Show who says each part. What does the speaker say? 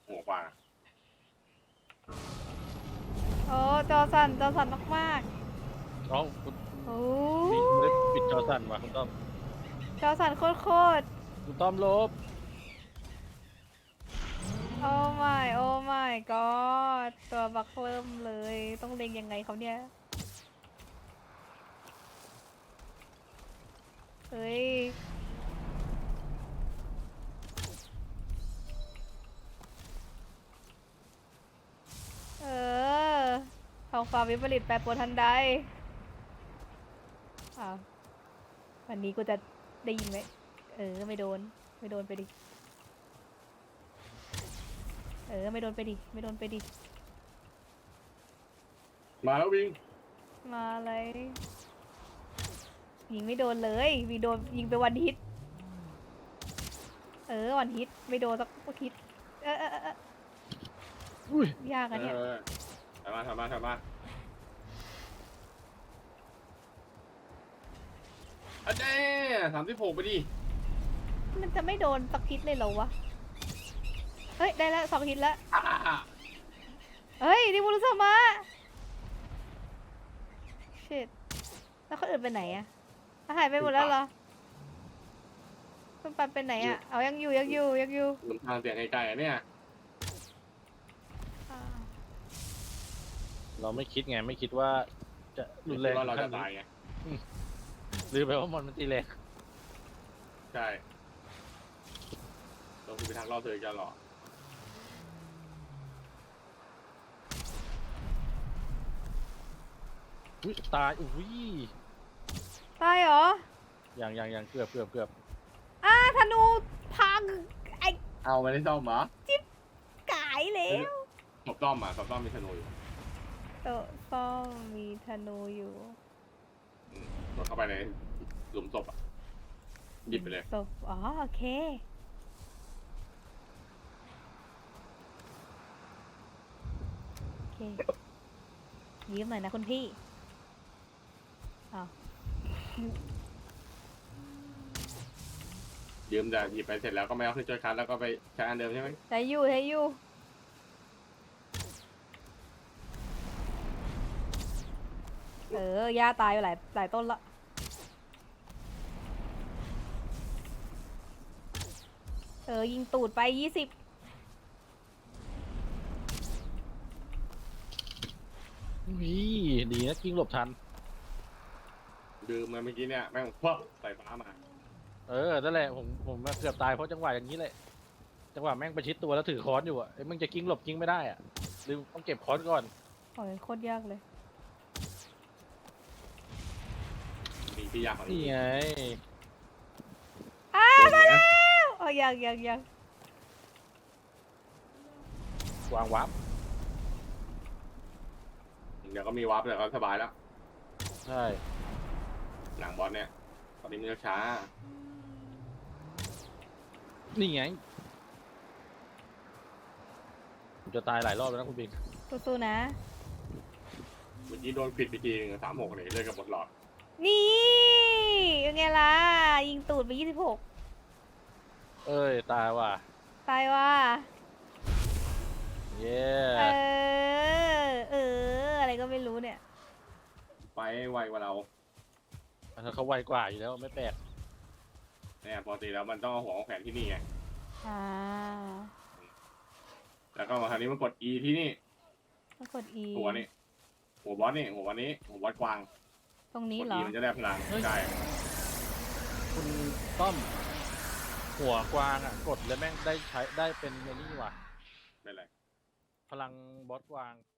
Speaker 1: หัวกว่า
Speaker 2: โอ้จอสั่นมาก
Speaker 3: อ๋อคุณ
Speaker 2: ๆโอ้
Speaker 3: นี่ไม่ได้ปิดจอสั่นว่ะคุณต้อม
Speaker 2: จอสั่นโคตร
Speaker 3: คุณต้อมลบ
Speaker 2: โอ้ my god ตัวบักเริ่มเลยต้องเล็งยังไงเขาเนี่ยเฮ้ยท้องฟ้าวิปริตแปรปรวนทันใดอ้าววันนี้กูจะได้ยินไหมไม่โดนไปดิไม่โดนไปดิ
Speaker 1: มาแล้ววิ่ง
Speaker 2: มาอะไรยิงไม่โดนเลยมีโดนยิงไปวันฮิตวันฮิตไม่โดนสักฮิต
Speaker 3: อุ้ย
Speaker 2: ยากอะเนี่ย
Speaker 1: ทำมาอันนี้36ไปดิ
Speaker 2: มันจะไม่โดนสักฮิตเลยเหรอวะเฮ้ยได้แล้ว2 ฮิตแล้ว เฮ้ยดิมูรุสมาชิตแล้วคนอื่นไปไหนอะหายไปหมดแล้วเหรอคุณปันไปไหนอะเอายังอยู่
Speaker 1: หลุมทางเสียงไกลๆเนี่ย
Speaker 2: อ่า
Speaker 3: เราไม่คิดไงไม่คิดว่าจะรุนแรง
Speaker 1: ว่าเราจะตายไง
Speaker 3: หรือแปลว่ามอนมันตีแรง
Speaker 1: ใช่เราคือไปทางรอบเธอจะหรอ
Speaker 3: อุ้ยตายอุ้ย
Speaker 2: ตายเหรอ
Speaker 3: อย่างเกือบ
Speaker 2: ธนูพังไอ้
Speaker 1: เอาไม่ได้ซ่อมเหรอ
Speaker 2: กายแล้ว
Speaker 1: ศพต้อมมีธนูอยู่
Speaker 2: โต๊ะซ่อมมีธนูอยู่
Speaker 1: กดเข้าไปในหลุมศพหยิบไปเลย
Speaker 2: ศพอ๋อโอเคยืมหน่อยนะคุณพี่อ้าว
Speaker 1: ยืมแต่หยิบไปเสร็จแล้วก็ไม่เอาขึ้นจอยคัสแล้วก็ไปใช้อันเดิมใช่ไหม
Speaker 2: ใช้อยู่หญ้าตายอยู่หลายต้นละยิงตูดไป20
Speaker 3: อุ้ยดีนะกิ้งหลบทัน
Speaker 1: ดื่มมาเมื่อกี้เนี่ยแม่งพับใส่ฟ้ามา
Speaker 3: นั่นแหละผมเกือบตายเพราะจังหวะอย่างนี้แหละจังหวะแม่งประชิดตัวแล้วถือค้อนอยู่อ่ะมึงจะกิ้งหลบกิ้งไม่ได้อ่ะหรือต้องเก็บค้อนก่อน
Speaker 2: โอ้ยโคตรยากเลย
Speaker 1: มีที่ยากกว่า
Speaker 3: นี่
Speaker 1: นี้
Speaker 3: ไง
Speaker 1: มาแล้ว
Speaker 2: ยัง
Speaker 3: วางวับ
Speaker 1: เดี๋ยวก็มีวาร์ปเดี๋ยวก็สบายแล้ว
Speaker 3: ใช่
Speaker 1: หลังบอสเนี่ยตอนนี้มันช้า
Speaker 3: นี่ไงผมจะตายหลายรอบแล้วนะคุณบิ๊ก
Speaker 2: สู้ๆนะ
Speaker 1: เมื่อกี้โดนปิดไปทีนึง36เนี่ยเลยกับหมดหลอด
Speaker 2: นี่ยังไงล่ะ ยิงตูดไป26
Speaker 3: ตายว่ะ
Speaker 2: ตายว่ะ
Speaker 3: เย้
Speaker 2: อะไรก็ไม่รู้เนี่ย
Speaker 1: ไปไวกว่าเรา
Speaker 3: เขาไวกว่าอยู่แล้วไม่แปลก
Speaker 1: เนี่ยปกติแล้วมันต้องเอาหัวของแขนที่นี่ไง
Speaker 2: อ่า
Speaker 1: แล้วก็มาคราวนี้มันกด E ที่นี่
Speaker 2: ต้องกด E
Speaker 1: หัวนี่หัวบอสนี่หัววันนี้หัวบอสกวาง
Speaker 2: ตรงนี้
Speaker 1: กด
Speaker 2: เหร
Speaker 1: E
Speaker 2: อ
Speaker 1: มันจะได้พลังใช่
Speaker 3: คุณต้อมหัวกวางอ่ะกดแล้วแม่งได้เป็นไอ้นี่ว่ะ
Speaker 1: เป็นไร
Speaker 3: พลังบอสกวาง